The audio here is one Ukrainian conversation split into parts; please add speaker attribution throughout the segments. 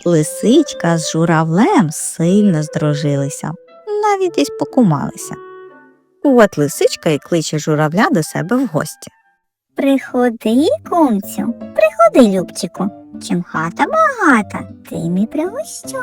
Speaker 1: Лисичка з журавлем сильно здружилися, навіть десь покумалися. От лисичка і кличе журавля до себе в гості.
Speaker 2: Приходи, кумцю, приходи, Любчику. Чим хата багата, тим і пригощу.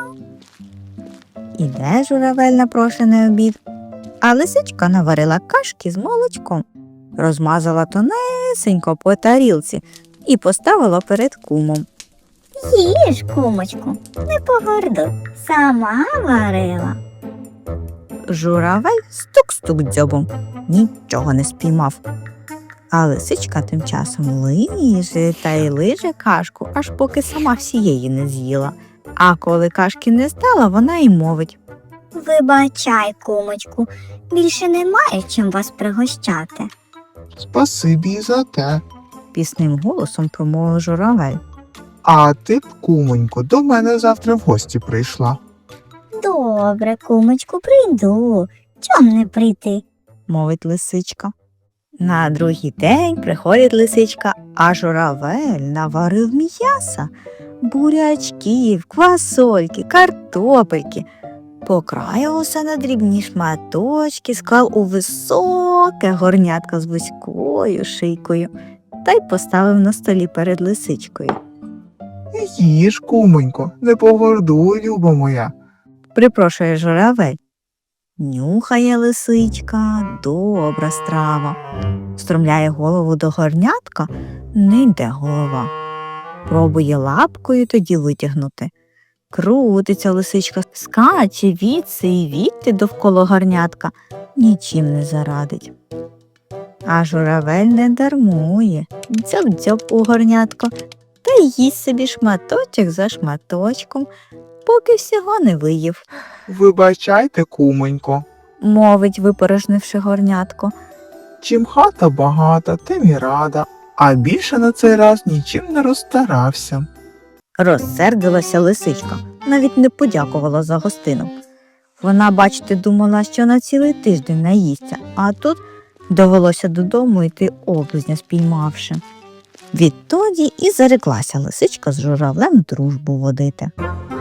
Speaker 1: Іде журавель на прошений обід, а лисичка наварила кашки з молочком, розмазала тонесенько по тарілці і поставила перед кумом.
Speaker 2: Їж, кумочку, не погордуй, сама варила.
Speaker 1: Журавель стук-стук дзьобом, нічого не спіймав. А лисичка тим часом лиже та й лиже кашку, аж поки сама всієї не з'їла. А коли кашки не стало, вона й мовить.
Speaker 2: Вибачай, кумочку, більше немає чим вас пригощати.
Speaker 3: Спасибі й за те.
Speaker 1: Пісним голосом промовив журавель.
Speaker 3: А ти б, кумонько, до мене завтра в гості прийшла.
Speaker 2: Добре, кумочку, прийду. Чом не прийти?
Speaker 1: Мовить лисичка. На другий день приходить лисичка, а журавель наварив м'яса, бурячків, квасольки, картопельки. Покраїв усе на дрібні шматочки, склав у високе горнятко з вузькою шийкою та й поставив на столі перед лисичкою.
Speaker 3: Їж, кумонько, не погордуй, люба моя.
Speaker 1: Припрошує журавель. Нюхає лисичка, добра страва. Стромляє голову до горнятка, не йде голова. Пробує лапкою тоді витягнути. Крутиться лисичка, скаче відси і відти довкола горнятка, нічим не зарадить. А журавель не дармує, дзьоб-дзьоб у горнятко, та й їсть собі шматочок за шматочком, поки всього не виїв.
Speaker 3: Вибачайте, кумонько,
Speaker 1: Мовить, випорожнивши горнятко.
Speaker 3: чим хата багата, тим і рада, а більше на цей раз нічим не розстарався.
Speaker 1: Розсердилася лисичка, навіть не подякувала за гостину. Вона, бачите, думала, що на цілий тиждень наїсться, а тут довелося додому йти облизня спіймавши. Відтоді і зареклася лисичка з журавлем дружбу водити.